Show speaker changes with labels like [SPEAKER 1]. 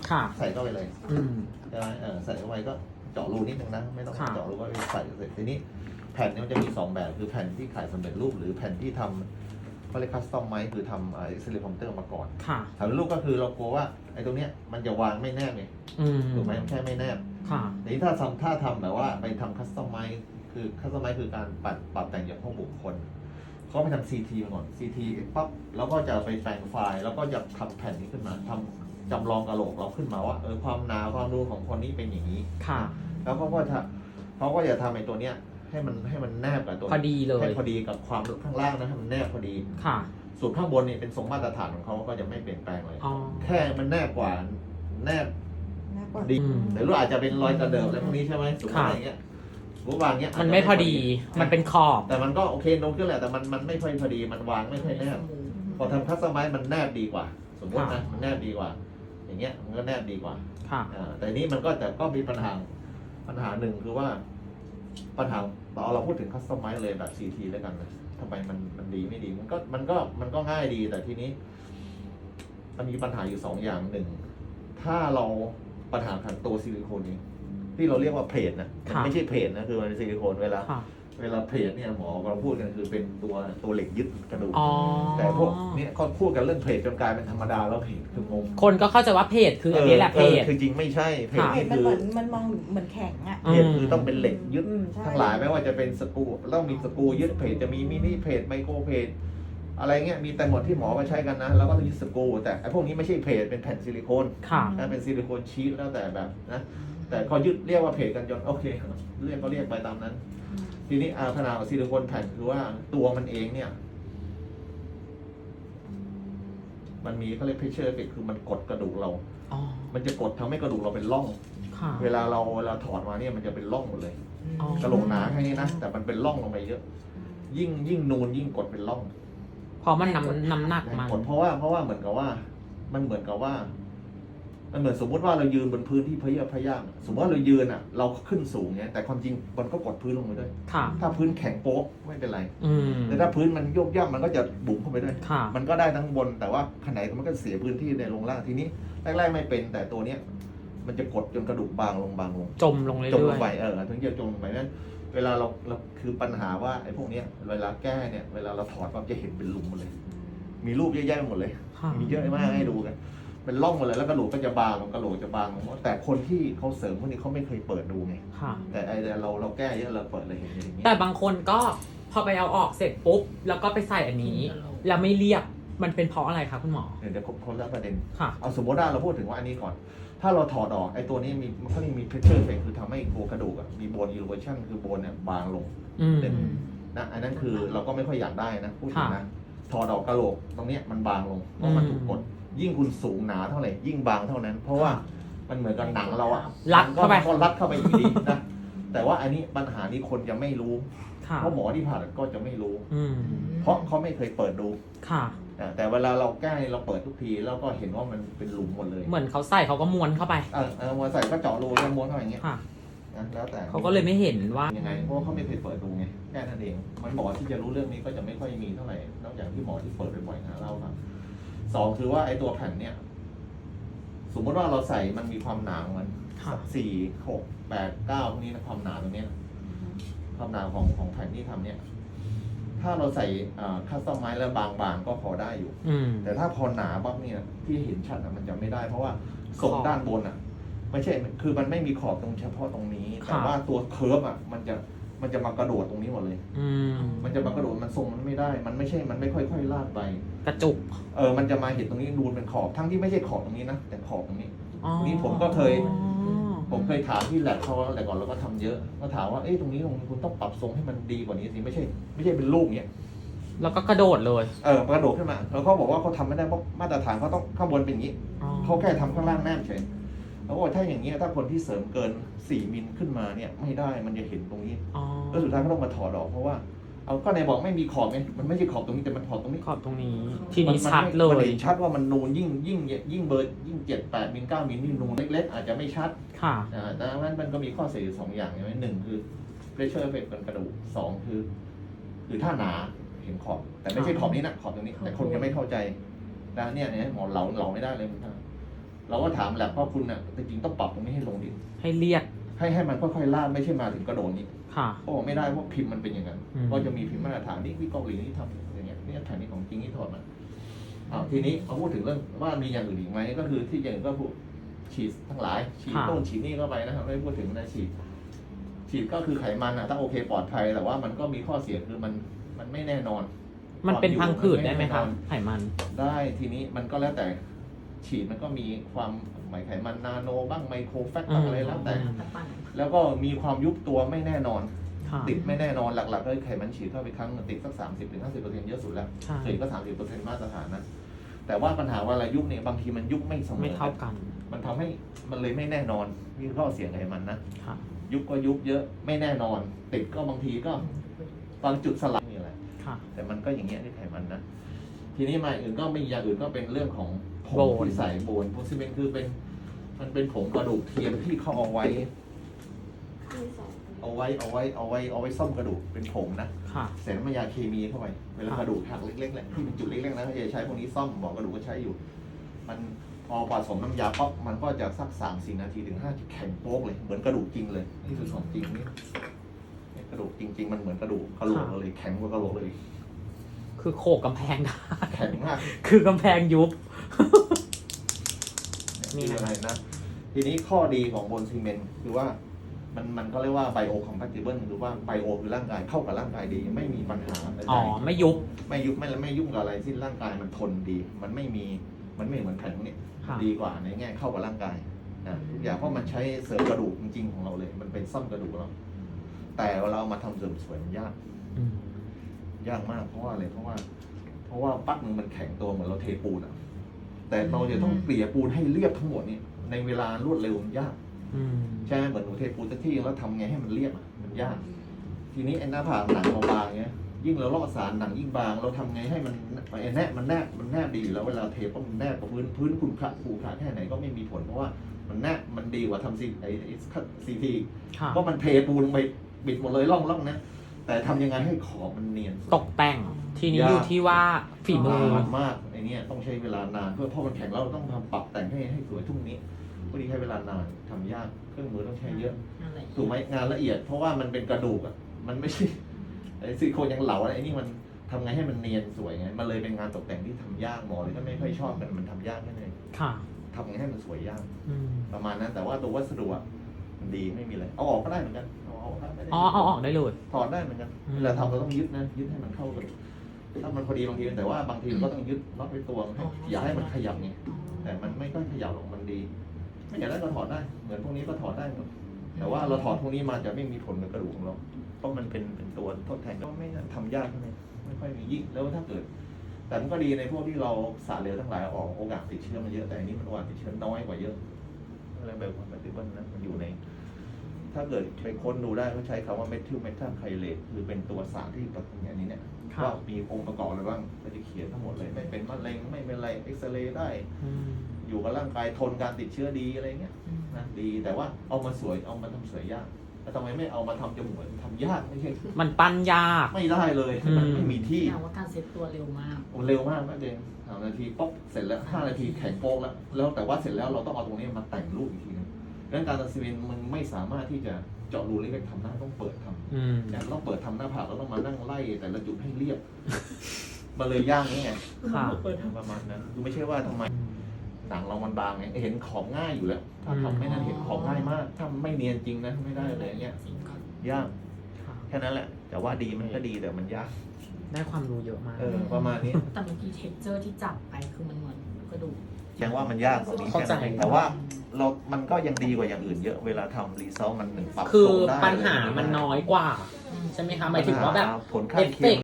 [SPEAKER 1] ใส่เข้าไปเลย
[SPEAKER 2] อืม
[SPEAKER 1] ใช่ไหมใส่เข้าไปก็เจาะรูนิดนึงนะไม่ต้อง
[SPEAKER 2] ค่ะ
[SPEAKER 1] เจาะรูก็ใส่เสร็จทีนี้แผ่นนี้มันจะมี2แบบคือแผ่นที่ขายสำเร็จรูปหรือแผ่นที่ทำเขาเรียกคัสตอมไมซ์คือทำซิลิคอนเตอร์มาก่อน
[SPEAKER 2] ค่ะ
[SPEAKER 1] สำเร็จรูปก็คือเรากลัวว่าไอ้ตรงเนี้ยมันจะวางไม่แนบไง
[SPEAKER 2] อืม
[SPEAKER 1] ถูกไหมมันแค่ไม่แนบ
[SPEAKER 2] ค่ะ
[SPEAKER 1] ทีนี้ถ้าทำแบบว่าไปทำคัสตอมไมซ์คือคัสตอมไมซ์คือการปรับแต่งอย่างของบุคคลเขาไปทำ CT มาก่อน CT ปั๊บแล้วก็จะไปแปลงไฟล์แล้วก็จะทำแผ่นนี้ขึ้นมาทำจำลองกะโหลกเราขึ้นมาว่าความหนาความนูนของคนนี้เป็นอย่างนี้
[SPEAKER 2] ค่ะ
[SPEAKER 1] แล้วเขาก็จะทำไอ้ตัวเนี้ยให้มันแนบกับตัว
[SPEAKER 2] พอดีเลย
[SPEAKER 1] ให้พอดีกับความข้างล่างนะให้มันแนบพอดี
[SPEAKER 2] ค่ะ
[SPEAKER 1] ส่วนข้างบนนี่เป็นทรงมาตรฐานของเขาก็จะไม่เปลี่ยนแปลงเลย
[SPEAKER 2] อ๋อ
[SPEAKER 1] แค่มันแนบกว่าแนบ
[SPEAKER 3] น่ากว่า
[SPEAKER 1] ดี
[SPEAKER 2] อืม
[SPEAKER 1] แต่รู้อาจจะเป็นรอยกระเดิบอะไรพวกนี้ใช่ไหมสมมติอะไรเงี้ยรูปวางเงี้ย
[SPEAKER 2] มันไม่พอดี มันเป็นขอบ
[SPEAKER 1] แต่มันก็โอเคโน้ตขึ้นแหละแต่มันไม่ค่อยพอดีมันวางไม่ค่อยแนบพอทำคัสตอมไมซ์มันแนบดีกว่า สมมตินะมันแนบดีกว่า อย่างเงี้ยมันก็แนบดีกว่า
[SPEAKER 2] ค่ะ
[SPEAKER 1] แต่นี้มันก็มีปัญหาหนึ่งคือว่าปัญหาเราพูดถึงคัสตอมไมซ์เลยแบบ CT แล้วกันนะทำไมมันดีไม่ดีมันก็ง่ายดีแต่ทีนี้มันมีปัญหาอยู่2อย่างหนึ่งถ้าเราปัญหาขันตัวซิลิโคนเองที่เราเรียกว่าเพลทนะมันไม่ใช่เพลทนะคือมันเป็นซิลิโคนเวลา
[SPEAKER 2] ค่ะ
[SPEAKER 1] เพลทเนี่ยหมอเราพูดกันคือเป็นตัวเหล็กยึดกระดูก
[SPEAKER 2] อ๋อ
[SPEAKER 1] แต่พวกเนี้ยเขาพูดกันเรื่องเพลทจนกลายเป็นธรรมดาแล้วเพลทคืองง
[SPEAKER 2] คนก็เข้าใจว่าเพจคืออันนี้แหละเพจ
[SPEAKER 1] คือจริงไม่ใช่เพลท
[SPEAKER 2] ค่ะ
[SPEAKER 1] นี่
[SPEAKER 3] มัน
[SPEAKER 1] คือ
[SPEAKER 3] เหมือนมันมองเหมือนแข็งอ่ะ
[SPEAKER 1] เพจคือต้องเป็นเหล็กยึด
[SPEAKER 3] ใช่
[SPEAKER 1] ทั้งหลายไม่ว่าจะเป็นสกรูต้องมีสกรูยึดเพจจะมีมินิเพจไมโครเพจอะไรเงี้ยมีแต่หมดที่หมอมาใช้กันนะแล้วก็ต้องยึดสกรูแต่ไอ้พวกนี้ไม่ใช่เพจเป็นแผ่นซิลิโคน
[SPEAKER 2] ค่ะ
[SPEAKER 1] นะเป็นซิลิโคนชีทแล้วแต่แบบนะแต่เขายึดเรียกว่าเพจกันจนโอเคเรียกก็เรียกไปตามนั้น ทีนี้ขนาดของซิลิโคนแผ่นคือว่าตัวมันเองเนี่ยมันมีเขาเรียกเพชเชอร์เอฟเฟกคือมันกดกระดูกเรา
[SPEAKER 2] อ๋อ
[SPEAKER 1] มันจะกดทำให้กระดูกเราเป็นร่อง
[SPEAKER 2] ค่ะ
[SPEAKER 1] เวลาเราถอดมาเนี่ยมันจะเป็นร่องหมดเลย
[SPEAKER 2] อ๋อ
[SPEAKER 1] กระโหลกหนาแค่นี้นะแต่มันเป็นร่องลงไปเยอะ ยิ่งนูนยิ่งกดเป็นร่อง
[SPEAKER 2] เพราะมันน้ำหนักมัน
[SPEAKER 1] กดเพราะว่าเหมือนกับว่ามันเหมือนกับว่า มันเหมือนสมมติว่าเรายืนบนพื้นที่พะเยอะพะยามสมมติว่าเรายืนอ่ะ เราขึ้นสูงเนี่ยแต่ความจริงมันก็กดพื้นลงไปด้วย
[SPEAKER 2] ค่ะ
[SPEAKER 1] ถ้าพื้นแข็งโป๊ะไม่เป็นไร
[SPEAKER 2] อืม
[SPEAKER 1] แต่ถ้าพื้นมันโยกย่ำมันก็จะบุ๋มเข้าไปด้วย
[SPEAKER 2] ค่ะ
[SPEAKER 1] มันก็ได้ทั้งบนแต่ว่าขนาดมันก็เสียพื้นที่ในลงล่างทีนี้แรกๆไม่เป็นแต่ตัวเนี้ยมันจะกดจนกระดูกบางลง
[SPEAKER 2] จมลงเรื่
[SPEAKER 1] จมล
[SPEAKER 2] อง ย
[SPEAKER 1] ไปถึงจะจมลงไปนั้นเวลาเราคือปัญหาว่าไอ้พวกเนี้ยเวลาแก้เนี่ยเวลาเราถอดปั๊บจะเห็นเป็นหลุมหมดเลย มีรูปเยอะแยะไปหมดเลย
[SPEAKER 2] ๆค่ะ
[SPEAKER 1] มีเยอะมากให้ดูกันเป็นร่องหมดเลยแล้วกระโหลกก็จะบางลงกระโหลกจะบางลงแต่คนที่เขาเสริมพวกนี้เขาไม่เคยเปิดดูไง
[SPEAKER 2] ค่ะ
[SPEAKER 1] แต่ไอ้เราแก้เยอะเราเปิดเลยเห็นอย่างเงี้ย
[SPEAKER 2] แต่บางคนก็พอไปเอาออกเสร็จปุ๊บ แล้วก็ไปใส่อันนี้ แล้วไม่เรียบ มันเป็นเพราะอะไรคะคุณหมอ
[SPEAKER 1] เดี๋ยวคนละประเด็น
[SPEAKER 2] ค่ะ
[SPEAKER 1] เอาสมมติว่าเราพูดถึงว่าอันนี้ก่อน ถ้าเราถอดออกไอ้ตัวนี้เขาเรียกมีเพชเชอร์เฟกคือทำให้ตัวกระดูกมีโบนอิลูเวชันคือโบนเนี่ยบางลง
[SPEAKER 2] อืม
[SPEAKER 1] นะอันนั้นคือเราก็ไม่ค่อยอยากได้นะพูดถึงนะ
[SPEAKER 2] ค่ะ
[SPEAKER 1] ถอดออกกระโหลกตรงเนี้ยมันบางลงเพราะมันถูกกดยิ่งคุณสูงหนาเท่าไหร่ยิ่งบางเท่านั้น เพราะว่ามันเหมือนกับหนังเราอะ
[SPEAKER 2] รัดเข้าไป
[SPEAKER 1] มันก็รัดเข้าไปอยู่ดีนะแต่ว่าอันนี้ปัญหานี้คนจะไม่รู้
[SPEAKER 2] ค่ะ
[SPEAKER 1] เพราะหมอที่ผ่าตัดก็จะไม่รู้
[SPEAKER 2] อืม
[SPEAKER 1] เพราะเขาไม่เคยเปิดดู
[SPEAKER 2] ค่ะ
[SPEAKER 1] แต่เวลาเราแก้เราเปิดทุกทีแล้วก็เห็นว่ามันเป็นหลุมหมดเลย
[SPEAKER 2] เหมือนเขาใส่เขาก็ม้วนเข้าไป
[SPEAKER 1] มาใส่ก็เจาะรูแล้วม้วนเข้าอย่างเงี้ย
[SPEAKER 2] ค่ะ
[SPEAKER 1] นะแล้วแต่
[SPEAKER 2] เขาก็เลยไม่เห็นว่า
[SPEAKER 1] ยังไงเพราะว่าเขาไม่เคยเปิดดูไงแค่นั้นเองมันหมอที่จะรู้เรื่องนี้ก็จะไม่ค่อยมีเท่าไหร่นอกจากที่หมอที่เปิดบ่อยๆนะเล่าครับสองคือว่าไอ้ตัวแผ่นเนี่ยสมมติว่าเราใส่มันมีความหนาของมัน
[SPEAKER 2] ค่ะ
[SPEAKER 1] 4 6 8 9พวกนี้นะความหนาตรงเนี้ยความหนาของแผ่นที่ทำเนี่ย ถ้าเราใส่คัสตอมไมซ์แล้วบางๆก็พอได้อยู่
[SPEAKER 2] อืม
[SPEAKER 1] แต่ถ้าพอหนาปั๊บเนี่ยที่เห็นชัดมันจะไม่ได้เพราะว่าทรงด้านบนไม่ใช่คือมันไม่มีขอบตรงเฉพาะตรงนี้ แต่ว่าตัวเคิร์ฟมันจะมากระโดดตรงนี้หมดเลย
[SPEAKER 2] อืม
[SPEAKER 1] มันจะมากระโดดมันทรงมันไม่ได้ มันไม่ค่อยๆลาดไป
[SPEAKER 2] กระจุก
[SPEAKER 1] มันจะมาเห็นตรงนี้นูนเป็นขอบทั้งที่ไม่ใช่ขอบตรงนี้นะแต่ขอบตรงนี้
[SPEAKER 2] อ๋อ
[SPEAKER 1] นี่ผมก็เคย ผมเคยถามที่แลบเขาแต่ก่อนเราก็ทำเยอะก็ถามว่าตรงนี้คุณต้องปรับทรงให้มันดีกว่านี้สิไม่ใช่เป็นลูกเนี้ย
[SPEAKER 2] แล้วก็กระโดดเลย
[SPEAKER 1] กระโดดขึ้นมาแล้วเขาบอกว่าเขาทำไม่ได้เพราะมาตรฐานเขาต้องข้างบนเป็นอย่างนี้
[SPEAKER 2] อ๋อ
[SPEAKER 1] เขาแค่ทำข้างล่างแนบเฉยแล้วก็ถ้าอย่างนี้ถ้าคนที่เสริมเกิน4 มิลขึ้นมาเนี่ยไม่ได้มันจะเห็นตรงนี้
[SPEAKER 2] อ๋อ
[SPEAKER 1] แล้วสุดท้ายก็ต้องมาถอดออกเพราะว่าก็ในบอกไม่มีขอบไงมันไม่ใช่ขอบตรงนี้แต่มันขอบตรงนี้
[SPEAKER 2] ขอบตรงนี้ ทีนี้ชัดเล
[SPEAKER 1] มัน
[SPEAKER 2] ย
[SPEAKER 1] เห็นชัดว่ามันนูนยิ่งเบอร์ยิ่ง7 8 มิล9 มิลนี่นูนเล็กๆอาจจะไม่ชัด
[SPEAKER 2] ค่ะ
[SPEAKER 1] ดังนั้นมันก็มีข้อเสียอยู่2 อย่างใช่ไหมหนึ่งคือ pressure effect บนกระดูก2คือถ้าหนาเห็นขอบ แต่ไม่ใช่ขอบนี้นะขอบตรงนี้ แต่คนจะไม่เข้าใจนะเนี่ยหมอเหลาไม่ได้เลยมันเราก็ถามแหละว่าคุณเนี่ยจริงๆต้องปรับตรงนี้ให้ลงดิ
[SPEAKER 2] ให้เรียบ
[SPEAKER 1] ให้มันค่อยๆลาดไม่ใช่มาถึงกระโดดนี้
[SPEAKER 2] ค่ะ
[SPEAKER 1] ก็บอกไม่ได้เพราะพิมพ์มันเป็นอย่างนั้น
[SPEAKER 2] อืม
[SPEAKER 1] ก็จะมีพิมพ์มาตรฐานนี่เกาหลีนี่ทำอย่างเงี้ยนี่แผ่นนี้ของจริงนี่ถอดมาทีนี้มาพูดถึงเรื่องว่ามีอย่างอื่นอีกไหมก็คือที่อย่างอื่นก็พูดฉีดทั้งหลายฉีดต้นฉีดนี่เข้าไปนะครับไม่พูดถึงนะฉีดก็คือไขมันอะถ้าโอเคปลอดภัยแต่ว่ามันก็มีข้อเสียคือมันไม่แน่นอน
[SPEAKER 2] มันเป็นพังผืดได้ไหมครับ
[SPEAKER 1] แน่นอน
[SPEAKER 2] ไขมัน
[SPEAKER 1] ได้ทีนี้มันก็แล้วแต่ฉีดมันก็มีความหมายไขมันนาโนบ้างไมโครแฟตบ้างอะไรแล้วแต่ แล้วก็มีความยุบตัวไม่แน่นอน
[SPEAKER 2] ค่ะ
[SPEAKER 1] ติดไม่แน่นอนหลักๆก็คือไขมันฉีดเข้าไปครั้งติดสัก 30-50%เยอะสุดแล้ว
[SPEAKER 2] ใช่
[SPEAKER 1] เฉลี่ยก็ 30%มาตรฐานนะแต่ว่าปัญหาว่าเวลายุบเนี่ยบางทีมันยุบไม่เสมอ
[SPEAKER 2] ไม่เท่ากัน
[SPEAKER 1] มันทำให้มันเลยไม่แน่นอนมีข้อเสียไขมันนะ
[SPEAKER 2] ค่ะ
[SPEAKER 1] ยุบก็ยุบเยอะไม่แน่นอน ติดก็บางทีก็ตอนจุดสลักนี่แหละ
[SPEAKER 2] ค่ะ
[SPEAKER 1] แต่มันก็อย่างเงี้ยที่ไขมันนะทีนี้มาอื่นก็ไม่อย่างอื่นก็เป็นเรื่องของผง
[SPEAKER 2] โบน
[SPEAKER 1] ที่ใส่โบนโพซิเมนคือมันเป็นผงกระดูกเทียมที่เขาเอาไว้ซ่อมกระดูกเป็นผงนะ
[SPEAKER 2] ค่ะ
[SPEAKER 1] ใส่น้ำยาเคมีเข้าไปเวลากระดูกหักเล็กๆแหละที่เป็นจุดเล็กๆนะเขาจะใช้พวกนี้ซ่อมบอกกระดูกก็ใช้อยู่ มันพอผสมน้ำยาป๊อกมันก็จะสัก3-4 นาทีถึง5แข็งโป๊กเลยเหมือนกระดูกจริงเลยนี่คือของจริงนี่กระดูกจริง ๆ มันเหมือนกระดูกกระโหลกเลยแข็งกว่ากระโหลกเลย
[SPEAKER 2] คือโขกกำแพงได้
[SPEAKER 1] แข็งมาก
[SPEAKER 2] คือกำแพงยุบ
[SPEAKER 1] นี่คืออะไรนะ ทีนี้ข้อดีของบนซีเมนต์คือว่ามันก็เรียกว่าไบโอคอมแพติเบิลหรือว่าไบโอคือร่างกายเข้ากับร่างกายดีไม่มีปัญหาใดๆ
[SPEAKER 2] อ๋อ ไม่ยุบ
[SPEAKER 1] ไม่ยุ่งกับอะไรที่ร่างกายมันทนดี มันไม่เหมือนแผ่นพวกนี้
[SPEAKER 2] ค่ะ
[SPEAKER 1] ดีกว่าในแง่เข้ากับร่างกายนะทุกอย่างเพราะมันใช้เสริมกระดูกจริงๆของเราเลย มันเป็นซ่อมกระดูกเรา แต่เวลาเอามาทำเสริมสวยมันยาก
[SPEAKER 2] อืม
[SPEAKER 1] ยากมากเพราะว่าอะไรเพราะว่าปั๊กนึงมันแข็งตัวเหมือนเราเทปูนอะแต่เราจะต้องเกลี่ยปูนให้เรียบทั้งหมดนี่ในเวลารวดเร็วมันยาก
[SPEAKER 2] อืม
[SPEAKER 1] ใช่ไหมเหมือนหนูเทปูนสักที่แล้วทำไงให้มันเรียบอะมันยาก ทีนี้ไอ้หน้าผากหนังเราบางเงี้ยยิ่งเราลอกสารหนังยิ่งบางเราทำไงให้มันไอ้แนบมันแนบดีอยู่แล้วเวลาเทปุ๊บมันแนบกับพื้นคุณขระแค่ไหนก็ไม่มีผลเพราะว่ามันแนบมันดีกว่าทำซีที
[SPEAKER 2] ค่ะ
[SPEAKER 1] เพราะมันเทปูนลงไปบิดหมดเลยร่องนะแต่ทำยังไงให้ขอบมันเนียน
[SPEAKER 2] ตกแต่ง ทีนี้
[SPEAKER 1] ยาก
[SPEAKER 2] อยู่ที่ว่าฝีมือ
[SPEAKER 1] นานมากไอ้เนี่ยต้องใช้เวลานานเพื่อเพราะมันแข็งแล้วเราต้องทำปรับแต่งให้สวยทุกนี้พอดีใช้เวลานานทำยากเครื่องมือต้องใช้เยอะถูกไหมงานละเอียด เพราะว่ามันเป็นกระดูกอ่ะมันไม่ใช่ไอ้ซิลิโคนยังเหลาอะไรไอ้นี่มันทำไงให้มันเนียนสวยไงมันเลยเป็นงานตกแต่งที่ทำยากหมอเลยก็ไม่ค่อยชอบมันทำยากแค่ไหน
[SPEAKER 2] ค่ะ
[SPEAKER 1] ทำไงให้มันสวยยาก
[SPEAKER 2] อืม
[SPEAKER 1] ประมาณนั้นแต่ว่าตัววัสดุอะมันดีไม่มีอะไรเอาออกก็ได้เหมือนกันเอาออกได้ไม่ได้
[SPEAKER 2] อ๋อ เอาออกได้เลย
[SPEAKER 1] ถอดได้เหมือนกัน
[SPEAKER 2] อืม
[SPEAKER 1] เวลาทำเราต้องยึดนะยึดให้มันเข้ากันถ้ามันพอดีบางทีแต่ว่าบางทีเราก็ต้องยึดน็อตไว้ตัวให้อย่าให้มันขยับไงแต่มันไม่ค่อยขยับหรอกมันดี ไม่อยากได้ก็ถอดได้เหมือนพวกนี้ก็ถอดได้หมดแต่ว่าเราถอดพวกนี้มาจะไม่มีผลกับกระดูกของเราเพราะมันเป็นตัวทดแทนก็ไม่ทำยากเท่าไหร่ไม่ค่อยมียิ่งแล้วถ้าเกิด แต่มันก็ดีในพวกที่เราสารเหลวทั้งหลายออกโอกาสติดเชื้อมันเยอะแต่อันนี้มันโอกาสติดเชื้อน้อยกว่าเยอะอะไรแบบว่ามันติดบ้านนะมันอยู่ใน ถ้าเกิดไปค้นดูได้เขาใช้คำว่าเมทิลเมทัลไคเลตคือเป็นตัวสารที่ประกอบอย่างนี้เนี่ย
[SPEAKER 2] ครับ
[SPEAKER 1] ว่ามีองค์ประกอบอะไรบ้างก็จะเขียนทั้งหมดเลยไม่เป็นมะเร็งไม่เป็นอะไรเอ็กซเรย์ได้
[SPEAKER 2] อืม
[SPEAKER 1] อยู่กับร่างกายทนการติดเชื้อดีอะไรเงี้ยนะดีแต่ว่าเอามาสวยเอามาทำสวยยากแล้วทำไมไม่เอามาทำจมูกทำยากไม่ใช่
[SPEAKER 2] มันปั้นยาก
[SPEAKER 1] ไม่ได้เลย
[SPEAKER 2] อืม
[SPEAKER 1] มันไม่มีที่
[SPEAKER 4] แปลว่าการเซ็ตตัวเร็วมาก
[SPEAKER 1] โอ้เร็วมากนะเจน3 นาทีป๊อกเสร็จแล้ว5 นาทีแข็งโป๊กแล้วแต่ว่าเสร็จแล้วเราต้องเอาตรงนี้มาแต่งรูปอีกทีนึงดังนั้นการตัดสินมันไม่สามารถที่จะเจาะรูเล็กๆทำได้ต้องเปิดทำ
[SPEAKER 2] อืม
[SPEAKER 1] อย่างต้องเปิดทำหน้าผากแล้วต้องมานั่งไล่แต่ละจุดให้เรียบ มันเลยยากนี่ไง
[SPEAKER 2] ค่ะ
[SPEAKER 1] ประมาณนั้นคือไม่ใช่ว่าทำไมหนังเรามันบางไงเห็นของง่ายอยู่แล้ว ถ้าทำไม่นั้นเห็นของง่ายมาก ถ้าไม่เนียนจริงนะไม่ได้เลยเงี้ยยาก
[SPEAKER 2] ค่ะ
[SPEAKER 1] แค่นั้นแหละ แต่ว่าดีมันก็ดีแต่มันยาก
[SPEAKER 2] ได้ความรู้เยอะมาก
[SPEAKER 1] ประมาณนี้
[SPEAKER 4] แต่เมื่อกี้เท็กเจอร์ที่จับไปคือมันเหมือนกระดูก
[SPEAKER 1] ยังว่ามันยากกว่านี้
[SPEAKER 2] เข้าใจ
[SPEAKER 1] แค่นั้นเองแต่ว่ามันก็ยังดีกว่าอย่างอื่นเยอะเวลาทำรีเซลมันหนึ่งปรับ
[SPEAKER 2] คือ
[SPEAKER 1] ทรงได้
[SPEAKER 2] ปัญหามันน้อยกว่า ใช่ไหมคะหมายถึงว่าแบบ
[SPEAKER 1] ผลข้างเคียง